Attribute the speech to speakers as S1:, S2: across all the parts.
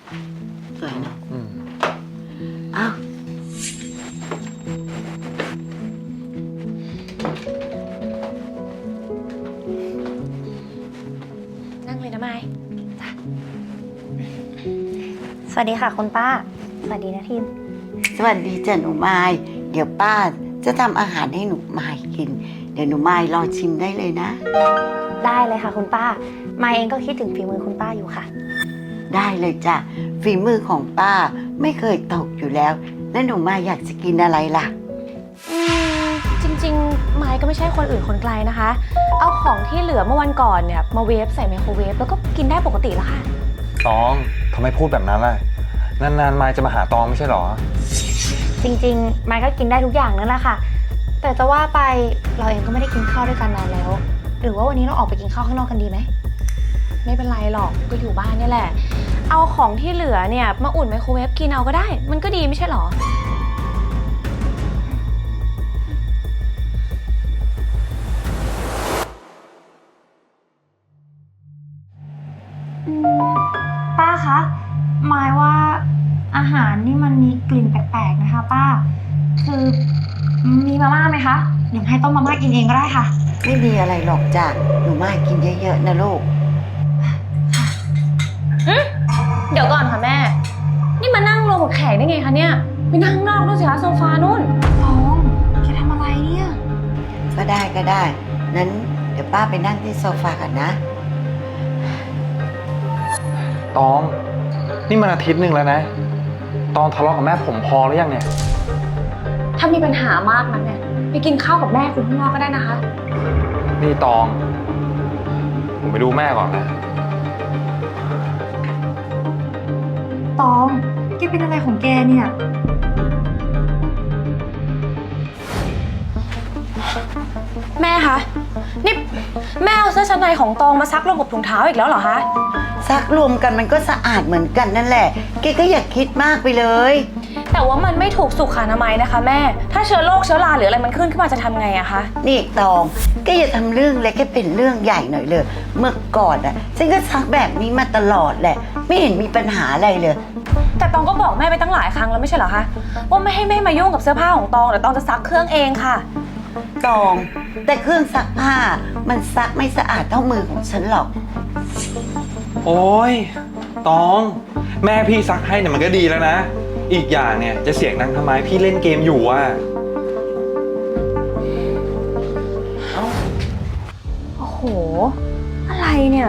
S1: สวยนะอ้าว
S2: นั่งเลยนะไม้จ้ะสวัสดีค่ะคุณป้าสวัสดีนะทีม
S1: สวัสดีจ้ะหนูไม้เดี๋ยวป้าจะทำอาหารให้หนูไม้กินเดี๋ยวหนูไม้รอชิมได้เลยนะ
S2: ได้เลยค่ะคุณป้าไม้เองก็คิดถึงฝีมือคุณป้าอยู่ค่ะ
S1: ได้เลยจ้ะฝีมือของป้าไม่เคยตกอยู่แล้วแล้วหนูไม้อยากจะกินอะไรล่ะ
S2: จริงๆไม้ก็ไม่ใช่คนอื่นคนไกลนะคะเอาของที่เหลือเมื่อวันก่อนเนี่ยมาเวฟใส่ไมโครเวฟแล้วก็กินได้ปกติแล้วค่ะ
S3: ตองทำไมพูดแบบนั้นล่ะนานๆมายจะมาหาตองไม่ใช่หรอ
S2: จริงๆไม้ก็กินได้ทุกอย่างนั่นแหละค่ะแต่จะว่าไปเราเองก็ไม่ได้กินข้าวด้วยกันนานแล้วหรือว่าวันนี้เราออกไปกินข้าวข้างนอกกันดีไหมไม่เป็นไรหรอกก็อยู่บ้านนี่แหละเอาของที่เหลือเนี่ยมาอุ่นไมโครเวฟกินเอาก็ได้มันก็ดีไม่ใช่หรอป้าคะหมายว่าอาหารนี่มันมีกลิ่นแปลกๆนะคะป้าคือมีมาม่าไหมคะอย่างให้ต้มมาม่ากินเองก็ได้ค่ะ
S1: ไม่มีอะไรหรอกจ้ะหนูไม้กินเยอะๆนะลูก
S2: เดี๋ยวก่อนค่ะแม่นี่มานั่งรวมกับแขกได้ไงคะเนี่ยไปนั่งนอกนู่นสิคะโซฟานู่นฟองแกทำอะไรเนี่ย
S1: ก็ได้นั้นเดี๋ยวป้าไปนั่งที่โซฟากันนะ
S3: ตองนี่มันอาทิตย์หนึ่งแล้วนะตองทะเลาะกับแม่ผมพอหรือยังเนี่ย
S2: ถ้ามีปัญหามากนักเนี่ยไปกินข้าวกับแม่คุณข้างนอกก็ได้นะคะ
S3: นี่ตองผมไปดูแม่ก่อนนะ
S2: ตองแกเป็นอะไรของแกเนี่ยแม่คะนี่แม่เอาเสื้อชั้นในของตองมาซักรวมกับถุงเท้าอีกแล้วเหรอคะ
S1: ซักรวมกันมันก็สะอาดเหมือนกันนั่นแหละแกก็อย่าคิดมากไปเลย
S2: แต่ว่ามันไม่ถูกสุขอนามัยนะคะแม่ถ้าเชื้อโรคเชื้อราหรืออะไรมันขึ้นมาจะทำไงอะคะ
S1: นี่ตองแกอย่าทำเรื่องเล็กให้เป็นเรื่องใหญ่หน่อยเลยเมื่อก่อนฉันก็ซักแบบนี้มาตลอดแหละไม่เห็นมีปัญหาอะไรเลย
S2: แต่ตองก็บอกแม่ไปตั้งหลายครั้งแล้วไม่ใช่เหรอคะว่าไม่ให้แม่มายุ่งกับเสื้อผ้าของตองเดี๋ยวตองจะซักเครื่องเองค่ะ
S1: ตองแต่เครื่องซักผ้ามันซักไม่สะอาดเท่ามือของฉันหรอก
S3: โอ้ยตองแม่พี่ซักให้เนี่ยมันก็ดีแล้วนะอีกอย่างเนี่ยจะเสียงดังทำไมพี่เล่นเกมอยู่อ่ะ
S2: โอ้โหอะไรเนี่ย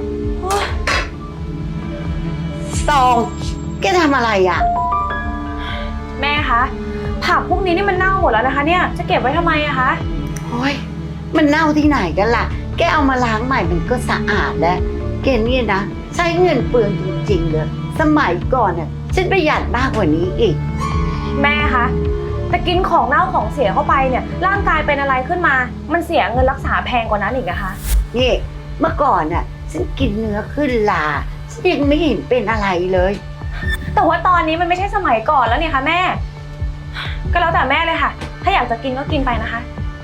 S1: ตองแกทำอะไรอ่ะ
S2: แม่คะผักพวกนี้นี่มันเน่าหมดแล้วนะคะเนี่ยจะเก็บไว้ทำไมอะคะ
S1: โอ้ยมันเน่าที่ไหนกันล่ะแกเอามาล้างใหม่มันก็สะอาดแล้วแกเนี่ยนะใช้เงินเปลืองจริงๆเลยสมัยก่อนน่ะฉันประหยัดมากกว่านี้อีก
S2: แม่คะแต่กินของเน่าของเสียเข้าไปเนี่ยร่างกายเป็นอะไรขึ้นมามันเสียเงินรักษาแพงกว่านั้นอีกนะคะ
S1: นี่เมื่อก่อนน่ะฉันกินเนื้อขึ้นลาฉันยังไม่เห็นเป็นอะไรเลย
S2: แต่ว่าตอนนี้มันไม่ใช่สมัยก่อนแล้วเนี่ยค่ะแม่ก็แล้วแต่แม่เลยค่ะถ้าอยากจะกินก็กินไปนะคะ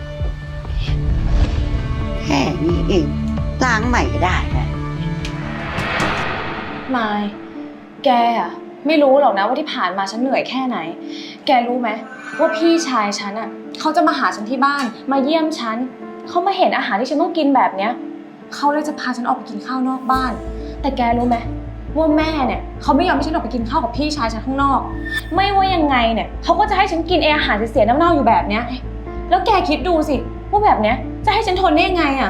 S1: แค่นี้เองล้างใหม่ก็ได้นะ
S2: มายแกอะไม่รู้หรอกนะว่าที่ผ่านมาฉันเหนื่อยแค่ไหนแกรู้ไหมว่าพี่ชายฉันอะเขาจะมาหาฉันที่บ้านมาเยี่ยมฉันเขามาเห็นอาหารที่ฉันต้องกินแบบเนี้ยเขาเลยจะพาฉันออกไปกินข้าวนอกบ้านแต่แกรู้ไหมว่าแม่เนี่ยเขาไม่ยอมให้ฉันออกไปกินข้าวกับพี่ชายฉันข้างนอกไม่ว่ายังไงเนี่ยเขาก็จะให้ฉันกินอาหารเสียๆเน่าๆอยู่แบบเนี้ยแล้วแกคิดดูสิว่าแบบเนี้ยจะให้ฉันทนได้ยังไงอะ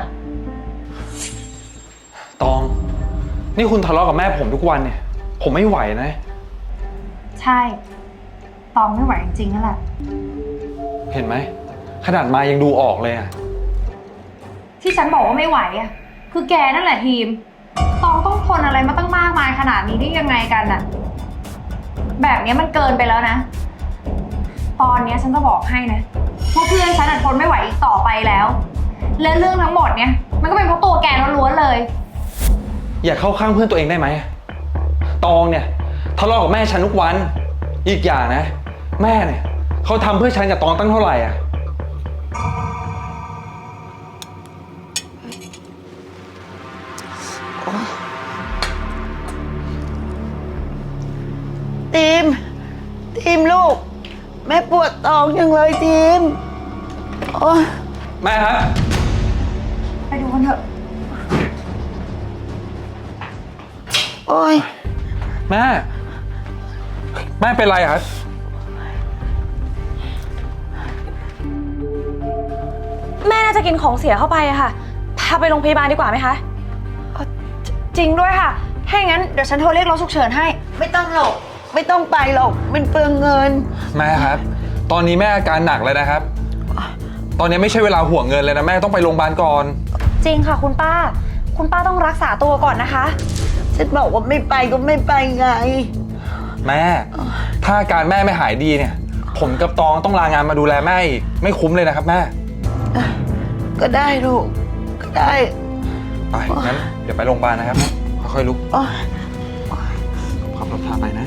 S3: ตองนี่คุณทะเลาะกับแม่ผมทุกวันเนี่ยผมไม่ไหวนะ
S2: ใช่ตองไม่ไหวจริงๆนั่นแหละ
S3: เห็นไหมขนาดมายังดูออกเลยอะ
S2: ที่ฉันบอกว่าไม่ไหวอะคือแกนั่นแหละทีมตองต้องทนอะไรมาตั้งมากมายขนาดนี้ได้ยังไงกันอะแบบนี้มันเกินไปแล้วนะตอนนี้ฉันจะบอกให้นะว่าเพื่อนฉันทนไม่ไหวอีกต่อไปแล้วและเรื่องทั้งหมดเนี่ยมันก็เป็นเพราะตัวแกล้วนๆเลย
S3: อย่าเข้าข้างเพื่อนตัวเองได้ไหมตองเนี่ยทะเลาะกับแม่ฉันทุกวันอีกอย่างนะแม่เนี่ยเขาทำเพื่อฉันกับตองตั้งเท่าไหร่อ่ะ
S1: ทีมลูก แม่ปวดท้องยังเลยทีมโอ้ย
S3: แม่ครับ
S2: ไปดูกันเถอะ
S1: โอ้ย
S3: แม่เป็นไรครับ
S2: แม่น่าจะกินของเสียเข้าไปอะค่ะ พาไปโรงพยาบาลดีกว่าไหมคะ
S4: จริงด้วยค่ะ ถ้าอย่างนั้นเดี๋ยวฉันโทรเรียกรถฉุกเฉินให้
S1: ไม่ต้องหรอกไม่ต้องไปหรอกมันเปลืองเงิน
S3: แม่ครับ ตอนนี้แม่อาการหนักเลยนะครับ ตอนนี้ไม่ใช่เวลาห่วงเงินเลยนะแม่ต้องไปโรงพยาบาลก่อน
S4: จริงค่ะคุณป้า คุณป้าต้องรักษาตัวก่อนนะคะ
S1: ฉันบอกว่าไม่ไปก็ไม่ไปไง
S3: แม่ ถ้าอาการแม่ไม่หายดีเนี่ย ผมกับตองต้องลางานมาดูแลแม่อีกไม่คุ้มเลยนะครับแม่
S1: ก็ได้ลูกก็ได้
S3: ไปงั้นเดี๋ยวไปโรงพยาบาลนะครับค่อยๆลุก
S1: โอ้ย
S3: ขับรถพาไปนะ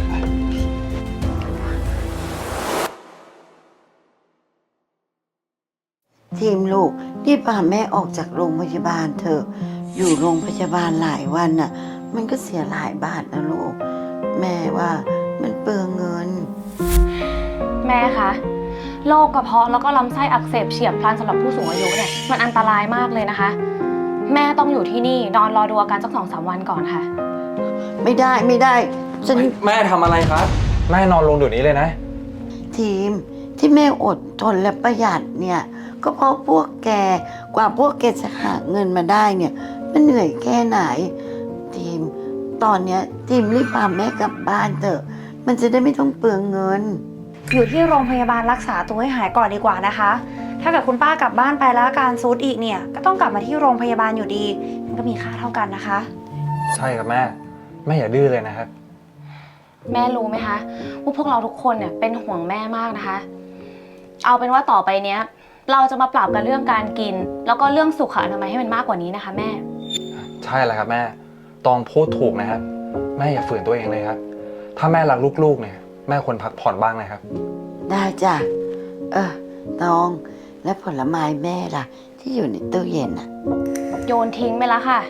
S1: ทีมลูกรีบพาแม่ออกจากโรงพยาบาลเถอะอยู่โรงพยาบาลหลายวันน่ะ มันก็เสียหลายบาทนะลูก แม่ว่ามันเปลืองเงิน
S2: แม่คะโรคกระเพาะแล้วก็ลำไส้อักเสบเฉียบพลันสำหรับผู้สูงอายุเนี่ยมันอันตรายมากเลยนะคะ แม่ต้องอยู่ที่นี่นอนรอดูอาการสัก 2-3 วันก่อนค่ะ
S1: ไม่ได้ฉัน
S3: แม่ทำอะไรครับ แม่นอนลงเดี๋ยวนี้เลยนะ
S1: ทีมที่แม่อดทนและประหยัดเนี่ย ก็เพราะพวกแกกว่าพวกแกจะหาเงินมาได้เนี่ย มันเหนื่อยแค่ไหน ทีมตอนเนี้ยทีมรีบพาแม่กลับบ้านเถอะ มันจะได้ไม่ต้องเปลืองเงิน
S4: อยู่ที่โรงพยาบาลรักษาตัวให้หายก่อนดีกว่านะคะ ถ้าเกิดคุณป้ากลับบ้านไปแล้วอาการซูดอีกเนี่ย ก็ต้องกลับมาที่โรงพยาบาลอยู่ดี มันก็มีค่าเท่ากันนะคะ
S3: ใช่ครับแม่อย่าดื้อเลยนะครับ
S2: แม่รู้ไหมคะว่าพวกเราทุกคนเนี่ยเป็นห่วงแม่มากนะคะ เอาเป็นว่าต่อไปเนี้ยเราจะมาปรับกันเรื่องการกิน แล้วก็เรื่องสุขอนามัยให้มันมากกว่านี้นะคะแม่
S3: ใช่แล้วครับแม่ตองพูดถูกนะครับ แม่อย่าฝืนตัวเองเลยครับ ถ้าแม่รักลูกๆเนี่ยแม่ควรพักผ่อนบ้างนะครับ
S1: ได้จ้ะตองและผลไม้แม่ล่ะ ที่อยู่ในตู้เย็นอ่ะ
S2: โยนทิ้งไปแล้วค่ะ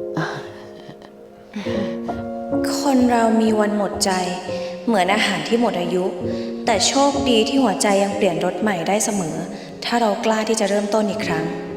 S5: คนเรามีวันหมดใจเหมือนอาหารที่หมดอายุ แต่โชคดีที่หัวใจยังเปลี่ยนรสใหม่ได้เสมอ ถ้าเรากล้าที่จะเริ่มต้นอีกครั้ง